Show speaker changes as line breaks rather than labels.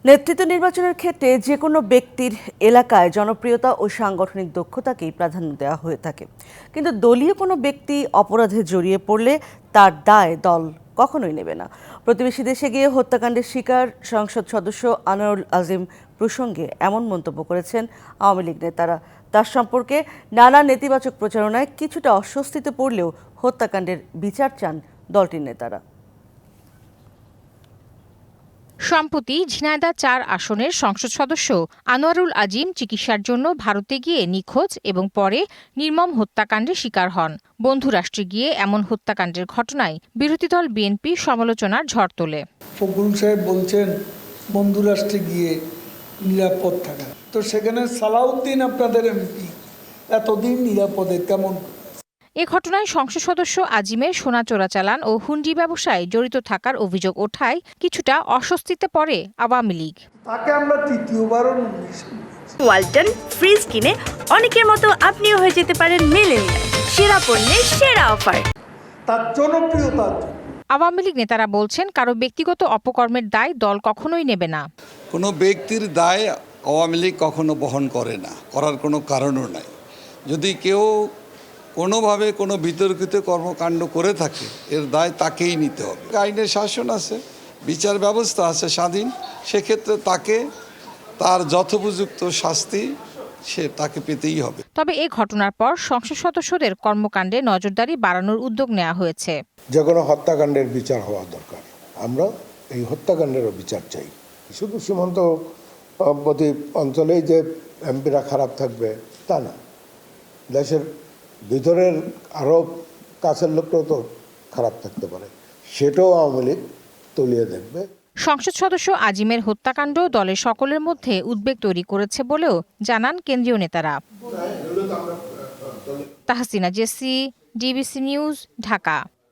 নেতৃত্ব নির্বাচনের ক্ষেত্রে যে কোনো ব্যক্তির এলাকায় জনপ্রিয়তা ও সাংগঠনিক দক্ষতাকেই প্রাধান্য দেওয়া হয়ে থাকে, কিন্তু দলীয় কোনো ব্যক্তি অপরাধে জড়িয়ে পড়লে তার দায় দল কখনোই নেবে না। প্রতিবেশী দেশে গিয়ে হত্যাকাণ্ডের শিকার সংসদ সদস্য আনোয়ারুল আজিম প্রসঙ্গে এমন মন্তব্য করেছেন আওয়ামী লীগ নেতারা। তার সম্পর্কে নানা নেতিবাচক প্রচারণায় কিছুটা অস্বস্তিতে পড়লেও হত্যাকাণ্ডের বিচার চান দলটির নেতারা।
সম্প্রতি ঝিনাইদহ ৪ আসনের সংসদ সদস্য আনোয়ারুল আজিম চিকিৎসার জন্য ভারতে গিয়ে নিখোঁজ এবং পরে নির্মম হত্যাকাণ্ডের শিকার হন। বন্ধু রাষ্ট্রে গিয়ে এমন হত্যাকাণ্ডের ঘটনায় বিরোধী দল বিএনপি সমালোচনার ঝড় তোলে।
ফখরুল সাহেব বলছেন বন্ধু রাষ্ট্রে গিয়ে নিরাপদ থাকা, তো সেখানে সালাউদ্দিন আপনাদের এমপি এতদিন নিরাপদে কেমন?
এ ঘটনায় সংসদ সদস্য আজিমের সোনা চোরাচালান ও হুন্ডি ব্যবসায় জড়িত থাকার অভিযোগ ওঠায় কিছুটা অস্বস্তিতে পড়ে আওয়ামী লীগ।
তাকে আমরা তৃতীয়বারও
ওয়ালটন ফ্রিজ কিনে অনেকের মতো আপনিও হয়ে যেতে পারেন মিলেনিয়াল সেরা পণ্যের সেরা অফার।
তার জনপ্রিয়তা।
আওয়ামী লীগ নেতারা বলছেন, কারো ব্যক্তিগত অপকর্মের দায় দল কখনোই নেবে না।
কোনো ব্যক্তির দায় আওয়ামী লীগ কখনো বহন করে না, করার কোনো কারণও নাই। যদি কেউ কোনোভাবে কোনো বিতর্কিত কর্মকাণ্ড করে থাকে, এর দায় তাকেই নিতে হবে। আইনের শাসন আছে, বিচার ব্যবস্থা আছে স্বাধীন, সেক্ষেত্রে তাকে তার যথোপযুক্ত শাস্তি তাকে পেতেই হবে।
তবে এই ঘটনার পর সংসদ সদস্যদের কর্মকাণ্ডে নজরদারি বাড়ানোর উদ্যোগ নেওয়া হয়েছে।
যে কোনো হত্যাকাণ্ডের বিচার হওয়া দরকার। আমরা এই হত্যাকাণ্ডেরও বিচার চাই। শুধু সীমান্তবর্তী অঞ্চলেই যে এমপিরা খারাপ থাকবে তা না, দেশের ভিতরের আরও কাছের লোকটাও তো খারাপ থাকতে পারে, সেটাও আওয়ামী লীগ তলিয়ে দেখবে।
সংসদ সদস্য আজিমের হত্যাকাণ্ড দলের সকলের মধ্যে উদ্বেগ তৈরি করেছে বলেও জানান কেন্দ্রীয় নেতারা। Tahsina Jesi, DBC news, Dhaka.